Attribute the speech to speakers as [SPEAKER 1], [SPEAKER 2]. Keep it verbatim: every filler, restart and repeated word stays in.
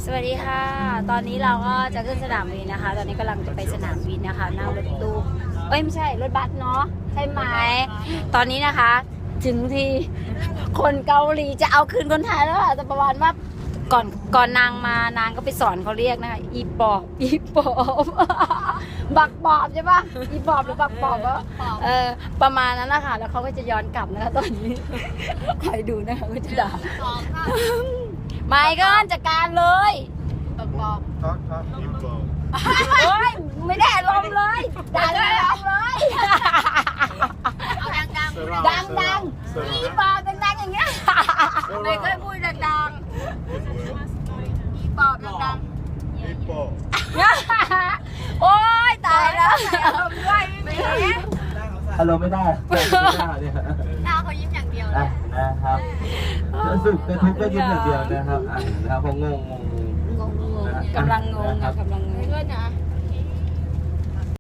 [SPEAKER 1] สวัสดีค่ะตอนนี้เราก็จะขึ้นสนามบินนะคะ ตอนนี้กำลังจะไปสนามบินนะคะนั่งรถตู้เอ้ยไม่ใช่รถบัสเนาะใช่ไหมตอนนี้นะคะถึงที่คนเกาหลีจะเอาคืนคนไทยแล้วค่ะแต่ประมาณว่าก่อนก่อนนางมานางก็ไปสอนเขาเรียกนะคะอีปอบอีปอบบักปอบใช่ปะอีปอบหรือบักปอบก็เออประมาณนั้นนะคะแล้วเขาก็จะย้อนกลับนะคะตอนนี้คอยดูนะคะก็จะด่าไม่ก็จัดการเลยบักปอบ
[SPEAKER 2] Talk, talk, info.
[SPEAKER 1] เฮ้ยไม่ได้ลมณ์เลยด่าไม่ลมณ์เลยเอาดังๆดังดังๆอีปอบดังๆอย่างเงี้ยไม่เคยพูดดังๆอีปอบดัง
[SPEAKER 2] Info.
[SPEAKER 1] ๆโอ๊ยตายแล้วด้วยไม่เห็น
[SPEAKER 3] อารมณ์ไม่ได้ไม่ได้เนี่ย
[SPEAKER 1] หน้าเขายิ้มอย่างเดียวเล
[SPEAKER 3] อ่ะ
[SPEAKER 1] ย
[SPEAKER 3] นะครับสุขแต่ทุกข์ก็ยิ้มอย่างเดียวนะครับอ่ะนะครับพองงงง
[SPEAKER 1] งงๆกำลังงงอะกำลังงง